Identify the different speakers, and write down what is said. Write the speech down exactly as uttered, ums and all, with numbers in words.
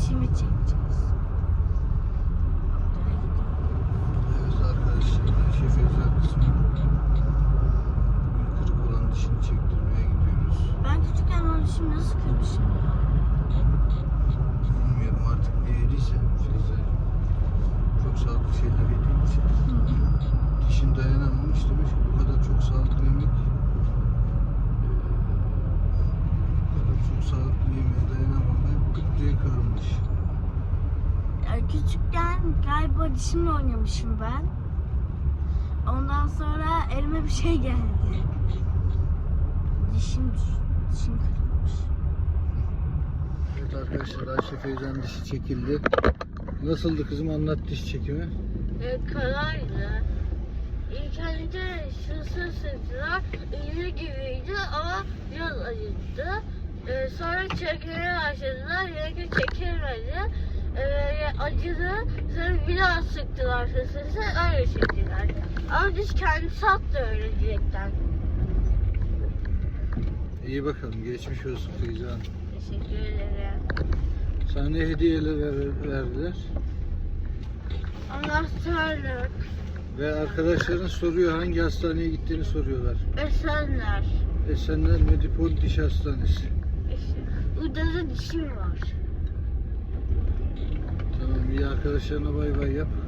Speaker 1: dişimi çekeceğiz.
Speaker 2: Evet arkadaşlar, Ayşe Feyza kısmı kırık olan dişini çektirmeye gidiyoruz.
Speaker 1: Ben küçükken o dişimi nasıl kırmışım ya?
Speaker 2: Bilmiyorum artık ne yediyse Feyza'cığım. Çok sağlıklı şeyler yediğin için. Dişin dayanamamış demiş ki bu kadar çok sağlıklı yemek eee, bu kadar çok sağlıklı yemeğe dayanamam ben gıt diye kırılmış.
Speaker 1: Ya küçükken galiba dişimle oynamışım ben. Ondan sonra elime bir şey geldi. Dişim, dişim kırılmış.
Speaker 2: Evet arkadaşlar, Ayşe Feyza'nın dişi çekildi. Nasıldı kızım, anlat diş çekimi.
Speaker 3: E, kolaydı. İlk önce şısı sıktılar, iğne gibiydi ama biraz acıttı. E, sonra çekmeye başladılar, yine çekilmedi. E, acıdı, sonra bir daha sıktılar şısısı, öyle çektiler. Ama diş kendisi attı öyle direkten.
Speaker 2: İyi bakalım, geçmiş olsun Feyza Hanım.
Speaker 3: Teşekkür ederim.
Speaker 2: Sana ne hediyeler ver- verdiler?
Speaker 3: Anahtarlık,
Speaker 2: Ve arkadaşların soruyor, hangi hastaneye gittiğini soruyorlar.
Speaker 3: Esenler.
Speaker 2: Esenler Medipol Diş Hastanesi.
Speaker 3: İşte, burada da dişim var.
Speaker 2: Tamam, iyi, arkadaşlarına bay bay yap.